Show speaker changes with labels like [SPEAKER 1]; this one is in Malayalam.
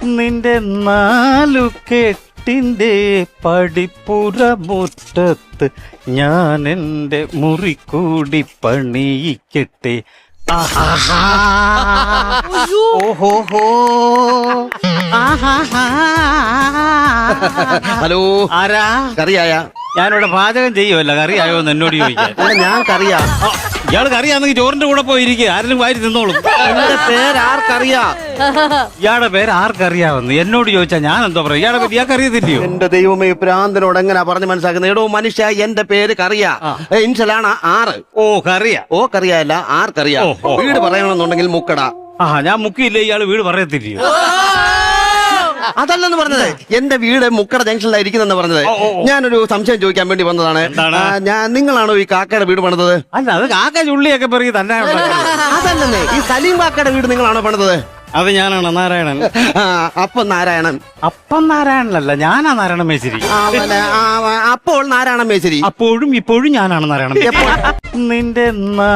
[SPEAKER 1] നിന്റെ നാലു കെട്ടിന്റെ പടിപ്പുറ മുറ്റത്ത് ഞാൻ എൻ്റെ മുറിക്കൂടി പണിയിക്കട്ടെ. ഓഹോഹോ.
[SPEAKER 2] ഹലോ,
[SPEAKER 1] ആരാ?
[SPEAKER 2] കറിയായ?
[SPEAKER 1] ഞാനിവിടെ പാചകം ചെയ്യുമല്ല, കറിയായോ എന്ന് എന്നോട് ചോദിക്കാൻ.
[SPEAKER 2] ഞാൻ കറിയാ.
[SPEAKER 1] ഇയാൾ കറിയാണെങ്കിൽ ചോറിന്റെ കൂടെ പോയിരിക്കുക, ആരെങ്കിലും വാരി തിന്നോളും.
[SPEAKER 2] എന്റെ പേര് ആർക്കറിയാ?
[SPEAKER 1] ഇയാളുടെ പേര് ആർക്കറിയാവുന്നു എന്നോട് ചോദിച്ചാ ഞാൻ എന്തോ പറയാം? ഇയാളെ പറ്റി ഇയാൾക്ക് അറിയത്തില്ലയോ?
[SPEAKER 2] എന്റെ ദൈവമേ, പ്രാന്തനോട് എങ്ങനാ പറഞ്ഞ് മനസ്സിലാക്കുന്നത്? എടോ മനുഷ്യ, എന്റെ പേര് കറിയാ. ഇൻഷലാണ് 6.
[SPEAKER 1] ഓ, കറിയാ.
[SPEAKER 2] ഓ കറിയല്ല, ആർക്കറിയാ. വീട് പറയണമെന്നുണ്ടെങ്കിൽ മുക്കട.
[SPEAKER 1] ഞാൻ മുക്കിയില്ലേ, ഇയാള് വീട് പറയത്തില്ലയോ?
[SPEAKER 2] അതല്ലെന്ന് പറഞ്ഞത്, എന്റെ വീട് മുക്കട ജംഗ്ഷനിലായിരിക്കുന്നെന്ന് പറഞ്ഞത്. ഞാനൊരു സംശയം ചോദിക്കാൻ വേണ്ടി വന്നതാണ്. നിങ്ങളാണോ ഈ കാക്കയുടെ വീട് പണിതത്?
[SPEAKER 1] അല്ല, അത് കാക്ക ചുള്ളിയൊക്കെ പറയും തന്നെ.
[SPEAKER 2] അതല്ലെന്നേ, ഈ സലീം കാക്കയുടെ വീട് നിങ്ങളാണോ പണിതത്?
[SPEAKER 1] അത് ഞാനാണ് നാരായണൻ.
[SPEAKER 2] അപ്പം നാരായണൻ.
[SPEAKER 1] അപ്പം നാരായണനല്ല, ഞാനാ നാരായണൻ മേശ്ശേരി.
[SPEAKER 2] അപ്പോൾ നാരായണൻ മേശ്ശേരി.
[SPEAKER 1] അപ്പോഴും ഇപ്പോഴും ഞാനാണ് നാരായണൻ. നിന്റെ